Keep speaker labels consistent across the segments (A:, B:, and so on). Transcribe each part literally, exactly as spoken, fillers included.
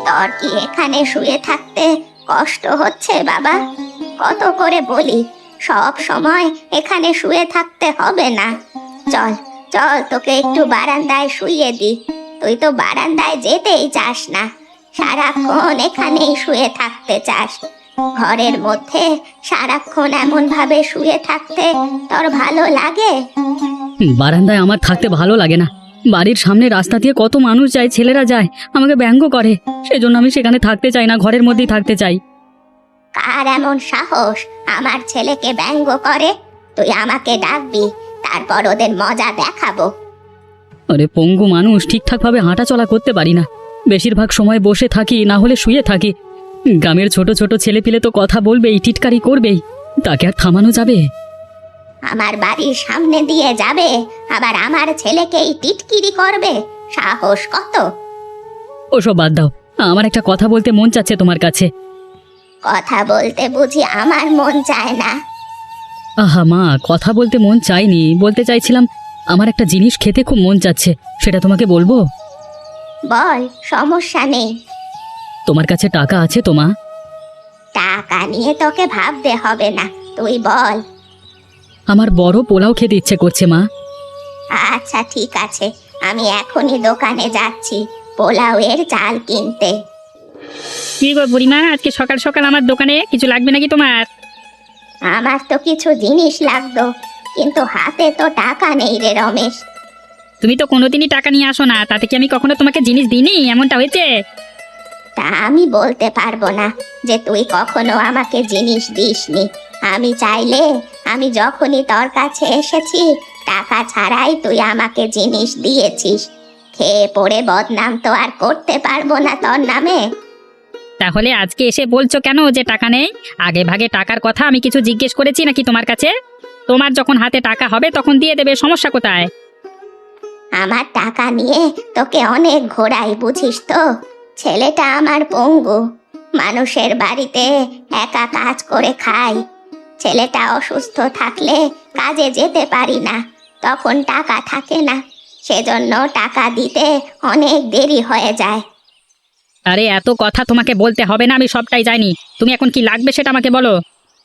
A: তোর কি এখানে শুয়ে থাকতে কষ্ট হচ্ছে বাবা? কত করে বলি সব সময় এখানে শুয়ে থাকতে হবে না। চল চল, তোকে একটু বারান্দায় শুইয়ে দি। তুই তো বারান্দায় যেতেই চাস না, সারাক্ষণ এখানেই শুয়ে থাকতে চাস। ঘরের মধ্যে সারাক্ষণ এমন ভাবে শুয়ে থাকতে তোর ভালো লাগে?
B: বারান্দায় আমার থাকতে ভালো লাগে না। বাড়ির সামনে রাস্তা দিয়ে কত মানুষ যায়, ছেলেরা যায়, আমাকে ব্যঙ্গ করে। সেজন্য আমি সেখানে থাকতে চাই না, ঘরের মধ্যেই থাকতে চাই।
A: কার এমন সাহস আমার ছেলেকে ব্যঙ্গ করে? তুই আমাকে ডাকবি, তারপর ওদের মজা দেখাবো।
B: আরে পঙ্গু মানুষ, ঠিকঠাকভাবে হাঁটা চলা করতে পারি না। বেশিরভাগ সময় বসে থাকি, না হলে শুয়ে থাকি। গ্রামের ছোট ছোট ছেলেপিলে তো কথা বলবেই, টিটকারি করবেই, তাকে আর থামানো যাবে?
A: আমার বাড়ির সামনে দিয়ে যাবে, আবার আমার ছেলেকেই টিটকিরি করবে? সাহস কত!
B: ওসব বাদ দাও, আমার একটা কথা বলতে মন চাচ্ছে তোমার কাছে।
A: কথা বলতে বুঝি আমার মন চায় না?
B: আহা মা, কথা বলতে মন চাইনি, বলতে চাইছিলাম আমার একটা জিনিস খেতে খুব মন চাচ্ছে, সেটা তোমাকে বলবো?
A: বল, সমস্যা নেই।
B: তোমার কাছে টাকা আছে তো মা?
A: টাকা নিয়ে তোকে ভাবতে হবে না, তুই বল।
B: আমার বড় পোলাও খেতে ইচ্ছে করছে মা।
A: আচ্ছা ঠিক আছে, আমি এখনই দোকানে যাচ্ছি পোলাওয়ের চাল কিনতে।
C: কি গো বুড়িমা, আজকে সকাল সকাল আমার দোকানে কিছু লাগবে নাকি তোমার?
A: আমার তো কিছু জিনিস লাগতো, কিন্তু হাতে তো টাকা নেই রে রমেশ।
C: তুমি তো কোনোদিনই টাকা নিয়ে আসো না, তাতে কি আমি কখনো তোমাকে জিনিস দিইনি? এমনটা হয়েছে?
A: তা আমি বলতে পারবো না যে তুই কখনো আমাকে জিনিস দিসনি। আমি চাইলে আমি যখনই তোর কাছে এসেছি টাকা ছাড়াই তুই আমাকে জিনিস দিয়েছিস। খেয়ে পড়ে বদনাম তো আর করতে পারবো না তোর নামে।
C: তাহলে আজকে এসে বলছো কেন যে টাকা নেই? আগে ভাগে টাকার কথা আমি কিছু জিজ্ঞেস করেছি নাকি তোমার কাছে? তোমার যখন হাতে টাকা হবে তখন দিয়ে দেবে, সমস্যা কোথায়?
A: আমার টাকা নিয়ে তোকে অনেক ঘোরাই, বুঝিস তো? ছেলেটা আমার পঙ্গু, মানুষের বাড়িতে একা কাজ করে খাই। ছেলেটা অসুস্থ থাকলে কাজে যেতে পারি না, তখন টাকা থাকে না, সেজন্য টাকা দিতে অনেক দেরি হয়ে যায়।
C: আরে এত কথা তোমাকে বলতে হবে না, আমি সবটাই জানি। তুমি এখন কি লাগবে সেটা আমাকে বলো।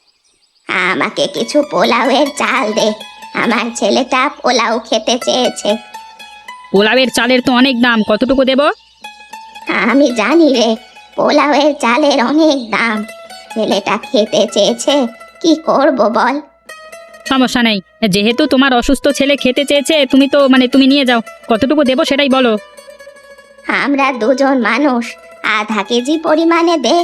A: আমাকে কিছু পোলাওয়ের চাল দে, আমার ছেলেটা পোলাও খেতে চেয়েছে।
C: পোলাওয়ের চালের তো অনেক দাম, কতটুকু দেব?
A: আমি জানি রে, পোলাওয়ের চালের অনেক দাম। ছেলেটা খেতে চেয়েছে, কি করব বল?
C: সমস্যা নেই, যেহেতু তোমার অসুস্থ ছেলে খেতে চেয়েছে, তুমি তো মানে তুমি নিয়ে যাও। কতটুকু দেবো সেটাই বলো।
A: আমরা দুজন মানুষ, আধা কেজি পরিমাণে দে।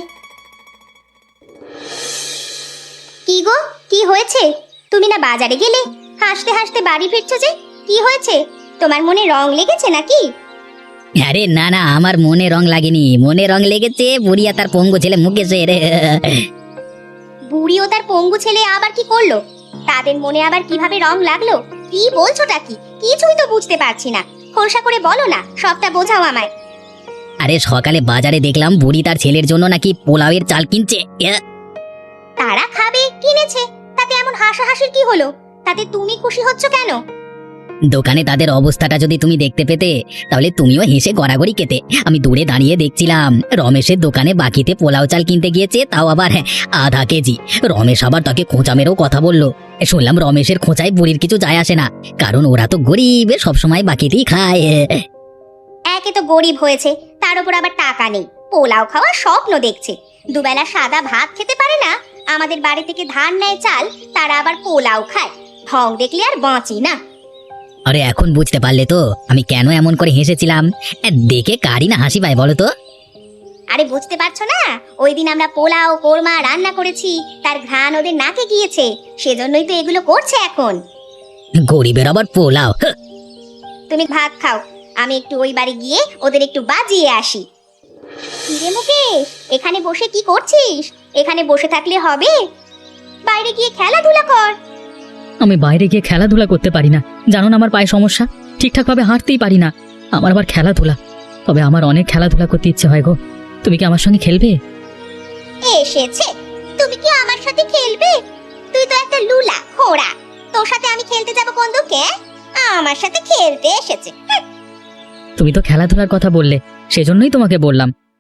A: কি গো, কি হয়েছে? তুমি না বাজারে গেলে, হাসতে হাসতে বাড়ি ফিরছো যে? কি হয়েছে? তোমার মনে রং লেগেছে নাকি?
D: আরে না না, আমার মনে রং লাগেনি, মনে রং লেগেছে বুড়িয়া তার পঙ্গু ছেলে মুকেশের।
A: বুড়ি ও তার পঙ্গু ছেলে আবার কি করলো? তাদের মনে আবার কিভাবে রং লাগলো? কি বলছোটা কি? কিছুই তো বুঝতে পারছি না, খোলসা করে বলো না, সবটা বোঝাও আমায়।
D: আরে সকালে বাজারে দেখলাম বুড়ি তার ছেলের জন্য নাকি পোলাওয়ের চাল কিনছে। এ,
A: তারা খাবে, কিনেছে, তাতে এমন হাসাহাসির কি হলো? তাতে তুমি খুশি হচ্ছ কেন?
D: দোকানে তাদের অবস্থাটা যদি তুমি দেখতে পেতে তাহলে তুমিও হেসে গড়াগড়ি খেতে। আমি দূরে দাঁড়িয়ে দেখছিলাম রমেশের দোকানে বাকিতে পোলাও চাল কিনতে গিয়েছে, তাও আবার হ্যাঁ, আধা কেজি। রমেশ আবার তাকে খোঁচা মেরেও কথা বললো। শুনলাম রমেশের খোঁচায় বুড়ির কিছু যায় আসে না, কারণ ওরা তো গরিব, সবসময় বাকিতেই খায়।
A: একে তো গরিব হয়েছে, তার উপর আবার টাকা নেই, পোলাও খাওয়ার স্বপ্ন দেখছে। দুবেলা সাদা ভাত খেতে পারে না, আমাদের বাড়ি থেকে ধান নেয় চাল, তারা আবার পোলাও খায়। ঢং দেখলে আর বাঁচি না।
D: আরে এখন বুঝতে পারলে তো আমি কেন এমন করে হেসেছিলাম? এ, দেখে কারি না হাসি পায় বলো তো?
A: আরে বুঝতে পারছো না, ওই দিন আমরা পোলাও কোরমা রান্না করেছি, তার ঘ্রাণ ওদের নাকে গিয়েছে, সেজন্যই তো এগুলো করছে এখন।
D: গরিবের আবার পোলাও? হ্যাঁ।
A: তুমি ভাত খাও, আমি একটু ওই বাড়ি গিয়ে ওদের একটু বাজিয়ে আসি। কিরে মুকেশ, এখানে বসে কি করছিস? এখানে বসে থাকলে হবে? বাইরে গিয়ে খেলাধুলা কর।
B: আমি বাইরে গিয়ে খেলাধুলা করতে পারি না, জানো না আমার পায়ে সমস্যা, ঠিকঠাকভাবে হাঁটতেই পারি না। আমার আবার খেলাধুলা, তবে আমার অনেক খেলাধুলা করতে ইচ্ছে হয় গো। তুমি কি আমার সঙ্গে খেলবে?
A: এসেছে, তুমি কি আমার সাথে খেলবে? তুই তো একটা লুলা খোড়া, তোর সাথে আমি খেলতে যাব কোন দুঃখে? আমার সাথে খেলতে এসেছে।
B: তুমি তো খেলাধুলার কথা বললে, সেজন্যই তোমাকে বললাম।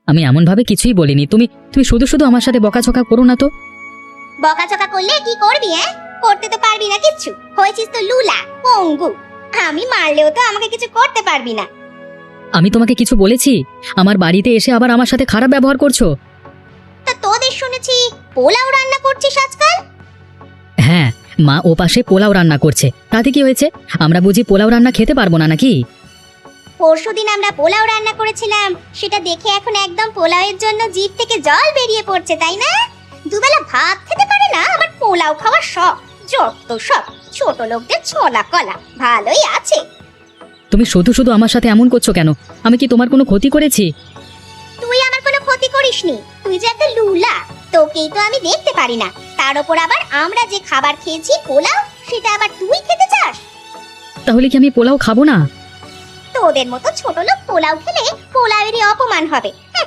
B: আমি এমনভাবে কিছুই বলিনি। তুমি তুমি শুধু শুধু আমার সাথে বকাঝকা করো না তো।
A: বকাচকা করলে কি করবি? হ্যাঁ, করতে তো পারবি না কিচ্ছু, হয়েছিস তো লুলা পঙ্গু। আমি মারলেও তো আমাকে কিছু করতে পারবি না।
B: আমি তোমাকে কিছু বলেছি? আমার বাড়িতে এসে আবার আমার সাথে খারাপ ব্যবহার করছো।
A: তা তোদের শুনেছি পোলাও রান্না করছিস আজকাল।
B: হ্যাঁ, মা ও পাশে পোলাও রান্না করছে, তাতে কি হয়েছে? আমরা বুঝি পোলাও রান্না খেতে পারবো না নাকি?
A: পরশুদিন আমরা পোলাও রান্না করেছিলাম, সেটা দেখে এখন একদম পোলাওয়ের জন্য জিভ থেকে জল বেরিয়ে পড়ছে, তাই না? দুবেলা ভাত খেতে পারে না, আবার পোলাও খাওয়ার শখ। যত সব ছোট লোকদের ছোলা কলা। ভালোই আছে।
B: তুমি শুধু শুধু আমার সাথে এমন করছো কেন? আমি কি তোমার কোনো ক্ষতি করেছি?
A: তুই আমার কোনো ক্ষতি করিসনি, তুই যে একটা লুলা, তোকেই তো আমি দেখতে পারি না। তার উপর আবার আমরা যে খাবার খেয়েছি পোলাও, সেটা আবার তুই খেতে চাস?
B: তাহলে কি আমি পোলাও খাবো না?
A: তোদের মতো ছোট লোক পোলাও খেলে পোলাওয়েরই অপমান হবে। হ্যাঁ।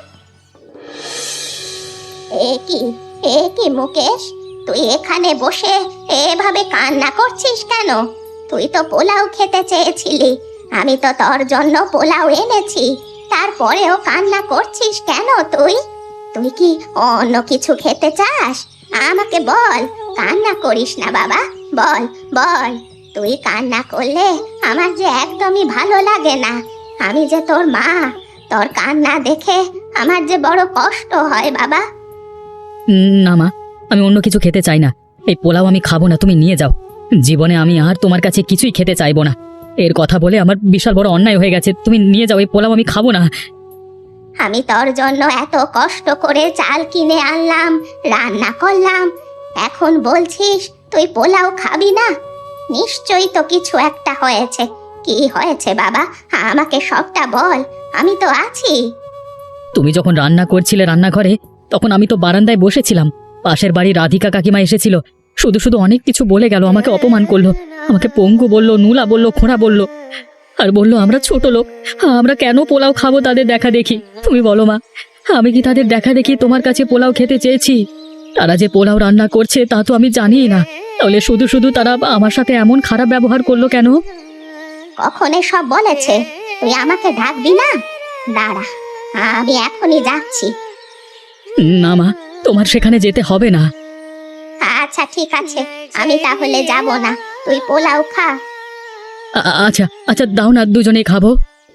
A: এ কি এ কি মুকেশ, তুই এখানে বসে এভাবে কান্না করছিস কেন? তুই তো পোলাও খেতে চেয়েছিলি, আমি তো তোর জন্য পোলাও এনেছি, তারপরেও কান্না করছিস কেন? তুই তুই কি অন্য কিছু খেতে চাস? আমাকে বল, কান্না করিস না বাবা, বল বল। তুই কান্না করলে আমার যে একদমই ভালো লাগে না। আমি যে তোর মা, তোর কান্না দেখে আমার যে বড় কষ্ট হয় বাবা।
B: উম, না মা, আমি অন্য কিছু খেতে চাই না। এই পোলাও আমি খাবো না, তুমি নিয়ে যাও। জীবনে আমি আর তোমার কাছে কিছুই খেতে চাইবো না। এর কথা বলে আমার বিশাল বড় অন্যায় হয়ে গেছে। তুমি নিয়ে যাও, এই পোলাও আমি খাবো না।
A: আমি তোর জন্য এত কষ্ট করে চাল কিনে আনলাম, রান্না করলাম, এখন বলছিস তুই পোলাও খাবি না? নিশ্চয়ই তো কিছু একটা হয়েছে। কি হয়েছে বাবা, আমাকে সবটা বল, আমি তো আছি।
B: তুমি যখন রান্না করছিলে রান্নাঘরে, তখন আমি তো বারান্দায় বসেছিলাম। পাশের বাড়ি রাধিকা কাকিমা এসেছিল, শুধু শুধু অনেক কিছু বলে গেল, আমাকে অপমান করলো, আমাকে পঙ্গু বললো, নুলা বললো, খোঁড়া বললো, আর বললো আমরা ছোট লোক, আমরা কেন পোলাও খাবো তাদের দেখা দেখি। তুমি বলো মা, আমি কি তাদের দেখা দেখি তোমার কাছে পোলাও খেতে চেয়েছি? তারা যে পোলাও রান্না করছে তা তো আমি জানিই না, তাহলে শুধু শুধু তারা আমার সাথে এমন খারাপ ব্যবহার করলো কেন?
A: কখন সব বলেছে? তুই আমাকে ডাকবি না? দাঁড়া, আমি এখনই যাচ্ছি।
B: না মা, তোমার সেখানে যেতে হবে না।
A: আচ্ছা ঠিক আছে, আমি তাহলে যাব না, তুই পোলাও খা।
B: আ- আচ্ছা আচ্ছা, দাও না, দুজনেই খাবো।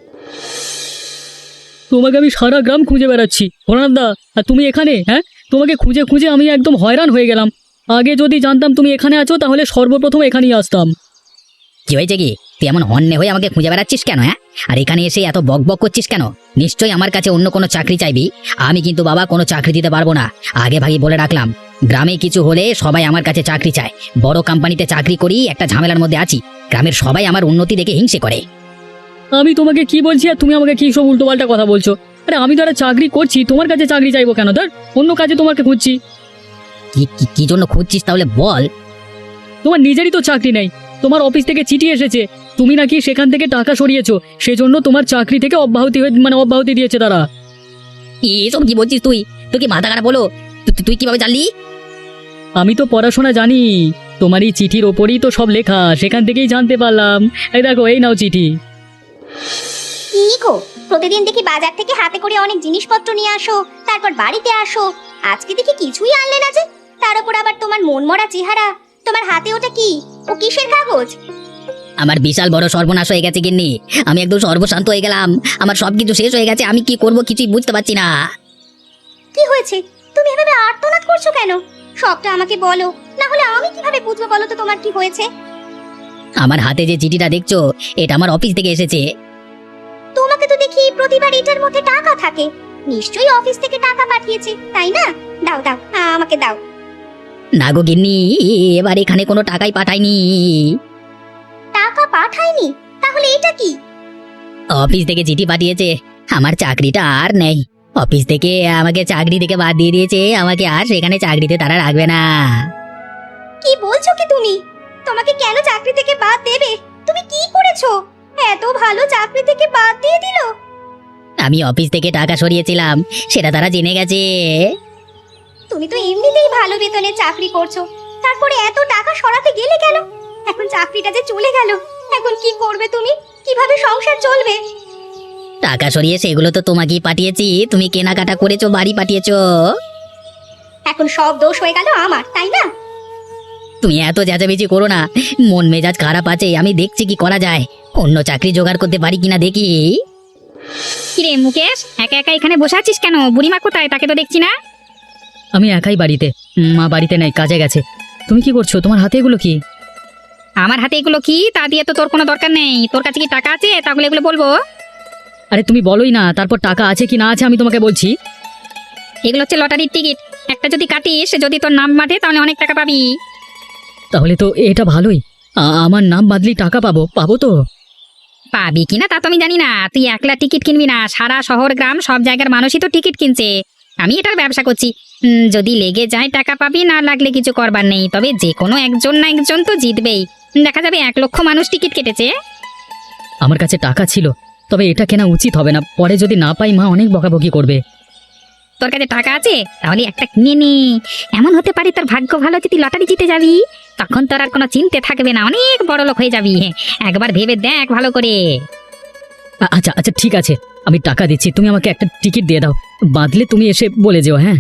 B: তোমাকে আমি সারা গ্রাম খুঁজে বেড়াচ্ছি দা, আর তুমি এখানে? হ্যাঁ, তোমাকে খুঁজে খুঁজে আমি একদম হয়রান হয়ে গেলাম। আগে যদি জানতাম তুমি এখানে আছো, তাহলে সর্বপ্রথম এখানেই আসতাম।
D: কি হয়েছে কি? তুই এমন হন্যে হয়ে আমাকে খুঁজে বেড়াচ্ছিস কেন? হ্যাঁ, আর এখানে এসে এত বক বক করছিস কেন? নিশ্চয়ই আমার কাছে অন্য কোনো চাকরি চাইবি। আমি কিন্তু বাবা কোনো চাকরি দিতে পারবো না, আগে ভাগে বলে রাখলাম। গ্রামে কিছু হলে সবাই আমার কাছে চাকরি চায়। বড় কোম্পানিতে চাকরি করি, একটা ঝামেলার মধ্যে আছি। গ্রামের সবাই আমার উন্নতি দেখে হিংসে করে।
B: আমি তোমাকে কি বলছি আর তুমি আমাকে কি সব উল্টোপাল্টা কথা বলছো? আরে আমি তো একটা চাকরি করছি, তোমার কাছে চাকরি চাইবো কেন? ধর, অন্য কাজে তোমাকে খুঁজছি।
D: কি কি- কি জন্য খুঁজছিস তাহলে বল?
B: তোমার নিজেরই তো চাকরি নেই, তোমার অফিস থেকে চিঠি এসেছে, তুমি নাকি সেখান থেকে টাকা সরিয়েছো, সেজন্য তোমার চাকরি থেকে অব্যাহতি হয়ে মানে অব্যাহতি দিয়েছে তারা।
D: এসব কি বলছিস তুই? তুই কি মাথা খারাপ বলো? তুই- তুই কিভাবে জানলি?
B: আমি তো পড়াশোনা জানি, তোমার এই চিঠির ওপরই তো সব লেখা, সেখান থেকেই জানতে পারলাম। এই দেখো, এই নাও চিঠি।
A: কি গো, প্রতিদিন দেখি বাজার থেকে হাতে করে অনেক জিনিসপত্র নিয়ে আসো, তারপর বাড়িতে আসো, আজকে দেখি কিছুই আনলে না যে। তার উপর আবার তোমার মনমরা চেহারা, তোমার হাতে ওটা কি? ও কিসের কাগজ?
D: আমার বিশাল বড় সর্বনাশ হয়ে গেছে গিন্নি। আমি একদম সর্বশান্ত হয়ে গেলাম, আমার সবকিছু শেষ হয়ে গেছে। আমি কি করব কিছুই বুঝতে পারছি না।
A: কি হয়েছে? তুমি এভাবে আর্তনাদ করছো কেন? সবটা আমাকে বলো, না হলে আমি কিভাবে বুঝবো বলো তো তোমার কি হয়েছে?
D: আমার হাতে যে চিঠিটা দেখছো, এটা আমার অফিস থেকে এসেছে।
A: তোমাকে তো দেখি প্রতিবার এটার মধ্যে টাকা থাকে, নিশ্চয়ই অফিস থেকে টাকা পাঠিয়েছে, তাই না? দাও দাও, আমাকে দাও।
D: না গো গিন্নি, এবার এখানে কোনো টাকাই পাঠায়নি।
A: টাকা পাঠায়নি? তাহলে এটা কি?
D: অফিস থেকে চিঠি পাঠিয়েছে, আমার চাকরিটা আর নেই। অফিস থেকে আমাকে চাকরি থেকে বাদ দিয়ে দিয়েছে, আমাকে আর সেখানে চাকরিতে তারা রাখবে না।
A: কি বলছো কি তুমি? তোমাকে কেন চাকরি থেকে বাদ দেবে? তুমি কি করেছো? এত ভালো চাকরি থেকে বাদ দিয়ে দিল?
D: আমি অফিস থেকে টাকা সরিয়েছিলাম, সেটা তারা জেনে গেছে।
A: তুমি তো এমনিতেই ভালো বেতনে চাকরি করছো, তারপরে এত টাকা সরাতে গেলে কেন? এখন চাকরিটা যে চলে গেল, এখন কি করবে তুমি? কিভাবে সংসার চলবে?
D: টাকা সরিয়ে সেগুলো তো তোমাকেই পাঠিয়েছি, তুমি কেনাকাটা করেছো, বাড়ি পাঠিয়েছো।
A: এখন সব দোষ হয়ে গেল আমার, তাই না?
D: তুমি এত চেঁচামেচি করো না, মন মেজাজ খারাপ আছে, আমি দেখছি কি করা যায়, অন্য চাকরি জোগাড় করতে পারি কিনা দেখি।
C: কিরে মুকেশ, একা একা এখানে বসে আছিস কেন? বুড়িমা কোথায়? তাকে তো দেখছি না।
B: আমি একাই বাড়িতে, মা বাড়িতে নেই, কাজে গেছে। তুমি কি করছো? তোমার হাতে এগুলো কি?
C: আমার হাতে এগুলো কি? তা দিয়ে তো তোর কোনো দরকার নেই। তোর কাছে কি টাকা আছে? তাহলে এগুলো বলবো।
B: আরে তুমি বলোই না, তারপর টাকা আছে কি না আছে আমি তোমাকে বলছি।
C: এগুলো হচ্ছে লটারির টিকিট। একটা যদি কাটিস, যদি তোর নাম মাঠে, তাহলে অনেক টাকা পাবি।
B: তাহলে তো এটা ভালোই, আ- আমার নাম বাদলি টাকা পাবো, পাবো তো?
C: পাবি কিনা তা তো আমি জানি না। তুই একলা টিকিট কিনবি না, সারা শহর গ্রাম সব জায়গার মানুষই তো টিকিট কিনছে। আমি এটার ব্যবসা করছি। উম, যদি লেগে যায় টাকা পাবি, না লাগলে কিছু করবার নেই। তবে যে কোনো একজন না একজন তো জিতবেই। দেখা যাবে এক লক্ষ মানুষ টিকিট কেটেছে।
B: আমার কাছে টাকা ছিল, তবে এটা কেনা উচিত হবে না, পরে যদি না পাই মা অনেক বকাবকি করবে।
C: তোর কাছে টাকা আছে, তাহলে একটা কিনে নে। এমন হতে পারে তোর ভাগ্য ভালো, যদি লটারি জিতে যাবি, তখন তোর আর কোনো চিন্তা থাকবে না, অনেক বড় লোক হয়ে যাবি। একবার ভেবে দেখ ভালো করে।
B: আ- আচ্ছা আচ্ছা ঠিক আছে, আমি টাকা দিচ্ছি, তুমি আমাকে একটা টিকিট দিয়ে দাও, বাদলে তুমি এসে বলে যেও। হ্যাঁ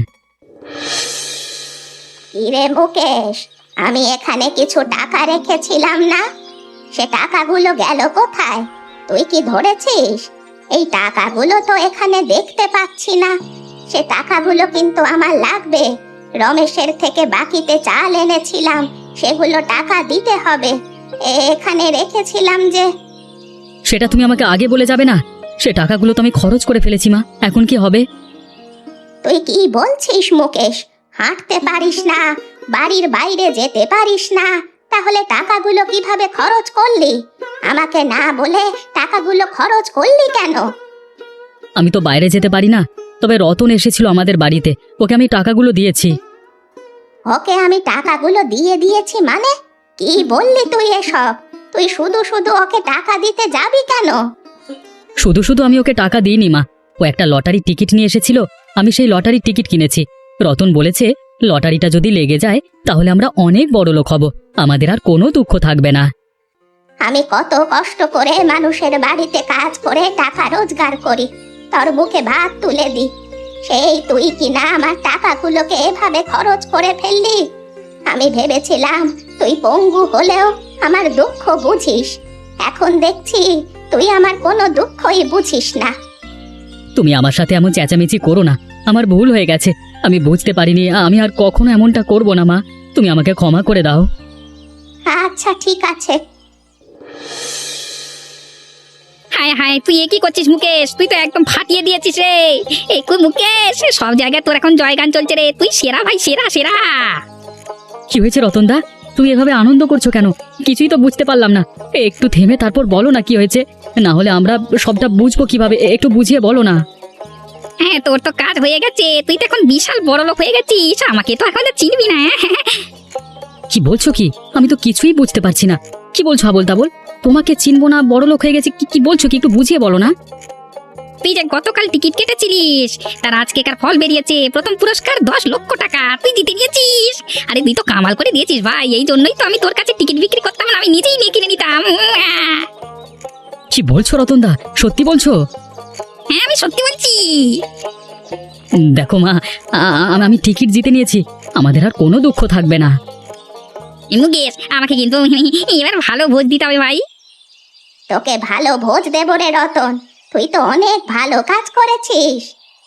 A: কিরে মুকেশ, আমি এখানে কিছু টাকা রেখেছিলাম না? সে টাকাগুলো গেল কোথায়? তুই কি ধরেছিস? এই টাকাগুলো তো এখানে দেখতে পাচ্ছি না। সে টাকাগুলো কিন্তু আমার লাগবে। রমেশের থেকে বাকিতে চাল এনেছিলাম, সেগুলো টাকা দিতে হবে। এ- এখানে রেখেছিলাম যে।
B: সেটা তুমি আমাকে আগে বলে যাবে না? সে টাকাগুলো তো আমি খরচ করে ফেলেছি মা, এখন কি হবে?
A: তুই কি বলছিস মুকেশ? হাঁটতে পারিস না, বাড়ির বাইরে যেতে পারিস না, তাহলে টাকাগুলো কিভাবে খরচ করলি? আমাকে না বলে টাকাগুলো খরচ করলি কেন?
B: আমি তো বাইরে যেতে পারি না, তবে রতন এসেছিল আমাদের বাড়িতে, ওকে আমি টাকাগুলো দিয়েছি।
A: ওকে আমি টাকাগুলো দিয়ে দিয়েছি মানে? কি বললি তুই এসব? তুই শুধু শুধু ওকে টাকা দিতে যাবি কেন?
B: শুধু শুধু আমি ওকে টাকা দিইনি মা, ও একটা লটারির টিকিট নিয়ে এসেছিল, আমি সেই লটারির টিকিট কিনেছি। রতন বলেছে লটারিটা যদি লেগে যায় তাহলে আমরা অনেক বড় লোক হব, আমাদের আর কোনো দুঃখ থাকবে না।
A: আমি কত কষ্ট করে মানুষের বাড়িতে কাজ করে টাকা রোজগার করি, তোর মুখে ভাত তুলে দি, সেই তুই কিনা আমার টাকাগুলোকে এভাবে খরচ করে ফেললি। আমি ভেবেছিলাম তুই পঙ্গু হলেও আমার দুঃখ বুঝিস, এখন দেখছি তুই আমার কোনো দুঃখই বুঝিস না।
B: তুমি আমার সাথে এমন চেঁচামেচি করো না, আমার ভুল হয়ে গেছে, আমি বুঝতে পারিনি, আমি আর কখনো এমনটা করব না মা, তুমি আমাকে ক্ষমা করে দাও।
A: আচ্ছা ঠিক আছে।
C: হায় হায়, তুই এ কি করছিস মুকেশ? তুই তো একদম ফাটিয়ে দিয়েছিস রে। এই কই মুকেশ, সব জায়গায় তোর এখন জয়গান চলছে রে। তুই সেরা ভাই, সেরা সেরা।
B: কি হয়েছে রতনদা, তুমি এভাবে আনন্দ করছো কেন? কিছুই তো বুঝতে পারলাম না, একটু থেমে তারপর বলো না কি হয়েছে, না হলে আমরা সবটা বুঝবো কিভাবে, একটু বুঝিয়ে বলো না।
C: হ্যাঁ, তোর তো কাজ হয়ে গেছে, তুই তো এখন বিশাল বড় লোক হয়ে গেছিস, আমাকে তো এখন আর চিনবি না।
B: কি বলছো কি? আমি তো কিছুই বুঝতে পারছি না, কি বলছো আবোল তাবোল? তোমাকে চিনবো না, বড় লোক হয়ে গেছে, কি কি বলছো, কি একটু বুঝিয়ে বলো না।
C: তুই যে গতকাল টিকিট কেটেছিলিস, তার আজকেকার ফল বেরিয়েছে, প্রথম পুরস্কার দশ লক্ষ টাকা তুই জিতে নিয়েছিস। আরে তুই তো কামাল করে দিয়েছিস ভাই, এই জন্যই তো আমি তোর কাছে টিকিট বিক্রি করতাম না, আমি নিজেই নিয়ে কিনে নিতাম।
B: কি বলছো রতনদা, সত্যি বলছো?
C: হ্যাঁ, আমি সত্যি বলছি।
B: উম, দেখো মা, আ- আ- আমি টিকিট জিতে নিয়েছি, আমাদের আর কোনো দুঃখ থাকবে না।
C: মুকেশ, আমাকে কিন্তু এবার ভালো ভোজ দিতে হবে ভাই।
A: তোকে ভালো ভোজ দেব রে রতন, তুই তো অনেক ভালো কাজ করেছিস।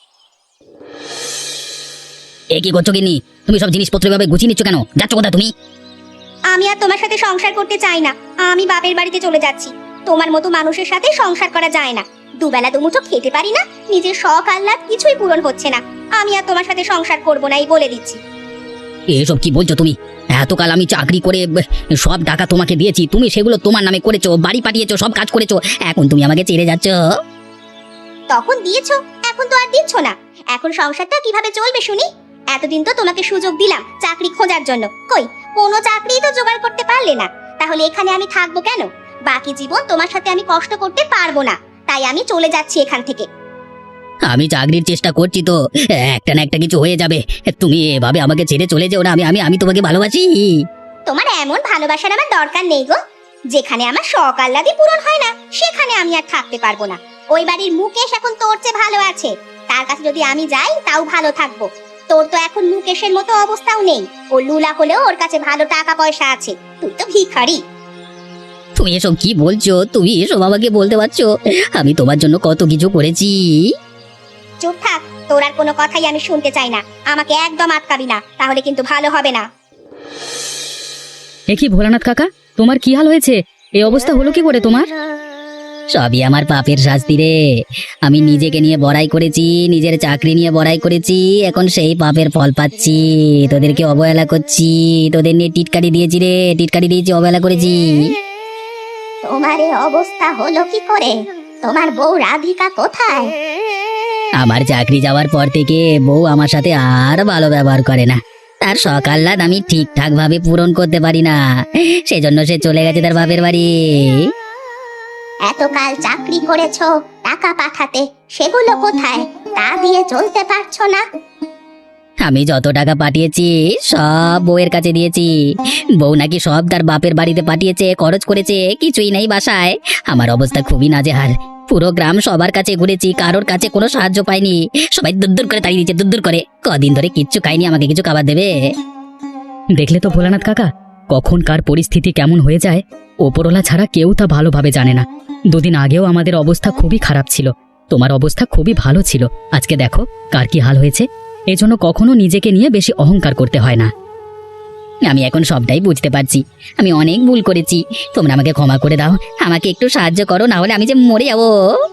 D: এ কি করছো গিন্নি? তুমি সব জিনিসপত্র এভাবে গুছিয়ে নিচ্ছ কেন? যাচ্ছ কোথায় তুমি?
A: আমি আর তোমার সাথে সংসার করতে চাই না, আমি বাপের বাড়িতে চলে যাচ্ছি। তোমার মতো মানুষের সাথে সংসার করা যায় না, দুবেলা দুমুঠো খেতে পারি না, নিজের শখ আহ্লাদ কিছুই পূরণ হচ্ছে না। আমি আর তোমার সাথে সংসার করব না, এই বলে দিচ্ছি।
D: এসব কি বলছো তুমি? এতকাল আমি চাকরি করে ব- সব টাকা তোমাকে দিয়েছি, তুমি সেগুলো তোমার নামে করেছো, বাড়ি পাঠিয়েছো, সব কাজ করেছো, এখন তুমি আমাকে ছেড়ে যাচ্ছ?
A: তখন দিয়েছো, এখন তো আর দিচ্ছ না। এখন সংসারটা কিভাবে চলবে শুনি? এতদিন তো তোমাকে সুযোগ দিলাম চাকরি খোঁজার জন্য, কই কোনো চাকরি তো জোগাড় করতে পারলে না। তাহলে এখানে আমি থাকবো কেন? বাকি জীবন তোমার সাথে আমি কষ্ট করতে পারবো না, তাই আমি চলে যাচ্ছি এখান থেকে।
D: আমি চাকরির চেষ্টা করছি তো, একটা না একটা কিছু হয়ে যাবে। তুমি এভাবে আমাকে ছেড়ে চলে যেও না, আমি আমি আমি তোমাকে ভালোবাসি।
A: তোমার এমন ভালোবাসার আমার দরকার নেই গো। যেখানে আমার শখ আহ্লাদই পূরণ হয় না সেখানে আমি আর থাকতে পারবো না। ওই বাড়ির মুকেশ এখন তোর চেয়ে ভালো আছে, তার কাছে যদি আমি যাই তাও ভালো থাকবো। তোর তো এখন মুকেশের মতো অবস্থাও নেই, ও লুলা হলেও ওর কাছে ভালো টাকা পয়সা আছে, তুই তো ভিখারি।
D: তুমি এসব কি বলছো? তুমি এসব আমাকে বলতে পারছো? আমি তোমার জন্য কত কিছু করেছি।
A: চুপ থাক, তোর আর কোনো কথাই আমি শুনতে চাই না। আমাকে একদম আটকাবি না, তাহলে কিন্তু ভালো হবে না।
B: এ কি ভোলানাথ কাকা, তোমার কি হাল হয়েছে? এই অবস্থা হলো কি করে তোমার?
D: সবই আমার পাপের শাস্তি রে। আমি নিজেকে নিয়ে বড়াই করেছি, নিজের চাকরি নিয়ে বড়াই করেছি, এখন সেই পাপের ফল পাচ্ছি। তোদেরকে অবহেলা করছি, তোদের নিয়ে টিটকারি দিয়েছি রে, টিটকারি দিয়েছি, অবহেলা করেছি।
A: তোমার এই অবস্থা হলো কি করে? তোমার বউ রাধিকা কোথায়?
D: আমার চাকরি যাওয়ার পর থেকে বউ আমার সাথে আর ভালো ব্যবহার করে না। তার সকাল্লাদ আমি ঠিকঠাক ভাবে পূরণ করতে পারি না, সেজন্য সে চলে গেছে তার বাপের বাড়ি।
A: এতকাল চাকরি করেছো, টাকা পাঠাতে, সেগুলো কোথায়? তা দিয়ে চলতে পারছো না?
D: আমি যত টাকা পাঠিয়েছি সব বউয়ের কাছে দিয়েছি। বউ নাকি সব তার বাপের বাড়িতে পাঠিয়েছে, খরচ করেছে, কিছুই নেই বাসায়। আমার অবস্থা খুবই নাজেহাল। পুরো গ্রাম সবার কাছে ঘুরেছি, কারোর কাছে কোনো সাহায্য পাইনি। সবাই দূর দূর করে তাড়িয়ে দিচ্ছে, দূর দূর করে। কদিন ধরে কিচ্ছু খাইনি, আমাকে কিছু খাবার দেবে?
B: দেখলে তো ভোলানাথ কাকা, কখন কার পরিস্থিতি কেমন হয়ে যায় ওপরওয়ালা ছাড়া কেউ তা ভালোভাবে জানে না। দুদিন আগেও আমাদের অবস্থা খুবই খারাপ ছিল, তোমার অবস্থা খুবই ভালো ছিল। আজকে দেখো কার কি হাল হয়েছে। এজন্য কখনো নিজেকে নিয়ে বেশি অহংকার করতে হয় না।
D: আমি এখন সবটাই বুঝতে পারছি, আমি অনেক ভুল করেছি। তোমরা আমাকে ক্ষমা করে দাও, আমাকে একটু সাহায্য করো, না হলে আমি যে মরে যাবো।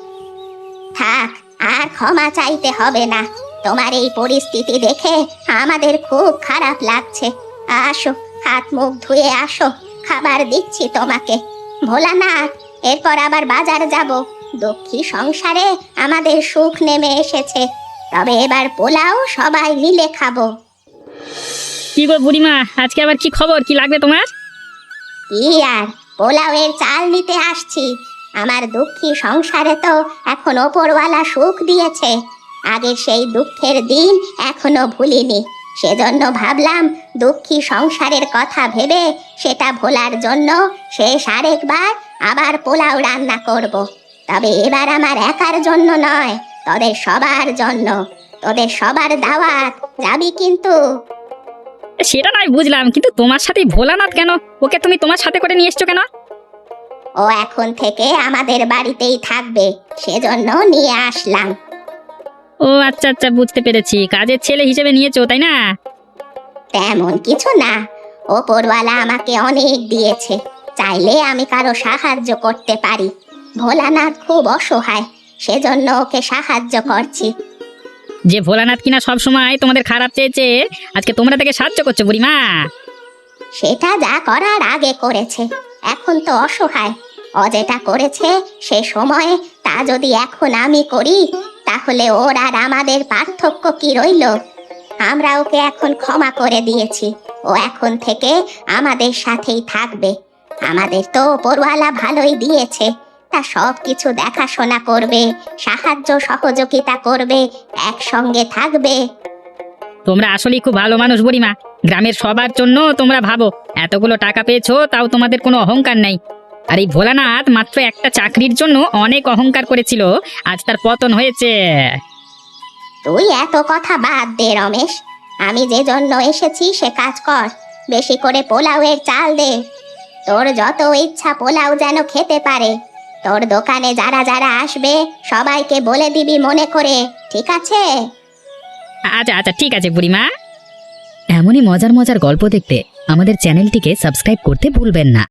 A: থাক, আর ক্ষমা চাইতে হবে না। তোমার এই পরিস্থিতি দেখে আমাদের খুব খারাপ লাগছে। আসো, হাত মুখ ধুয়ে আসো, খাবার দিচ্ছি তোমাকে। ভোলানাথ, এরপর আবার বাজার যাব। দুঃখী সংসারে আমাদের সুখ নেমে এসেছে, তবে এবার পোলাও সবাই মিলে খাবো।
C: কি গো বুড়িমা, আজকে আবার কি খবর? কি লাগবে তোমার?
A: কি আর, পোলাওয়ের চাল নিতে আসছি। আমার দুঃখী সংসারে তো এখন ওপরওয়ালা সুখ দিয়েছে, আগের সেই দুঃখের দিন এখনো ভুলিনি। সেজন্য ভাবলাম দুঃখী সংসারের কথা ভেবে সেটা ভোলার জন্য শেষ আরেকবার আবার পোলাও রান্না করব। তবে এবার আমার একার জন্য নয়, তোদের সবার জন্য। তোদের সবার দাওয়াত, যাবি কিন্তু?
C: সেটা নয় বুঝলাম, কিন্তু তোমার সাথে ভোলানাথ কেন? ওকে তুমি তোমার সাথে করে নিয়ে এসছো কেন?
A: ও এখন থেকে আমাদের বাড়িতেই থাকবে, সেজন্য নিয়ে আসলাম।
C: ও আচ্ছা আচ্ছা, বুঝতে পেরেছি, কাজের ছেলে হিসেবে নিয়েছো তাই না?
A: তেমন কিছু না, ওপরওয়ালা আমাকে অনেক দিয়েছে, চাইলে আমি কারো সাহায্য করতে পারি। ভোলানাথ খুব অসহায়, সেজন্য ওকে সাহায্য করছি।
C: যে ভোলানাথ কিনা সব সময় তোমাদের খারাপ চেয়েছে, আজকে তোমরা তাকে সাহায্য করছো বুড়িমা।
A: সেটা যা করার আগে করেছে, এখন তো অসহায়। ও যেটা করেছে সে সময়ে তা যদি এখন আমি করি, তাহলে ওর আর আমাদের পার্থক্য কি রইল? আমরা ওকে এখন ক্ষমা করে দিয়েছি, ও এখন থেকে আমাদের সাথেই থাকবে। আমাদের তো ওপরওয়ালা ভালোই দিয়েছে, তা সব কিছু দেখাশোনা করবে, সাহায্য সহযোগিতা করবে, একসঙ্গে থাকবে।
C: তোমরা আসলেই খুব ভালো মানুষ বুড়িমা, গ্রামের সবার জন্য তোমরা ভাবো। এতগুলো টাকা পেয়েছো, তাও তোমাদের কোনো অহংকার নাই। আর এই ভোলানাথ মাত্র একটা চাকরির জন্য অনেক অহংকার করেছিল, আজ তার পতন হয়েছে।
A: তুই এত কথা বাদ দে রমেশ, আমি যে জন্য এসেছি সে কাজ কর। বেশি করে পোলাওয়ের চাল দে, তোর যত ইচ্ছা পোলাও যেন খেতে পারে। তোর দোকানে যারা যারা আসবে সবাইকে বলে দিবি মনে করে, ঠিক আছে?
C: আচ্ছা আচ্ছা, ঠিক আছে বুড়িমা।
B: এমনই মজার মজার গল্প দেখতে আমাদের চ্যানেলটিকে সাবস্ক্রাইব করতে ভুলবেন না।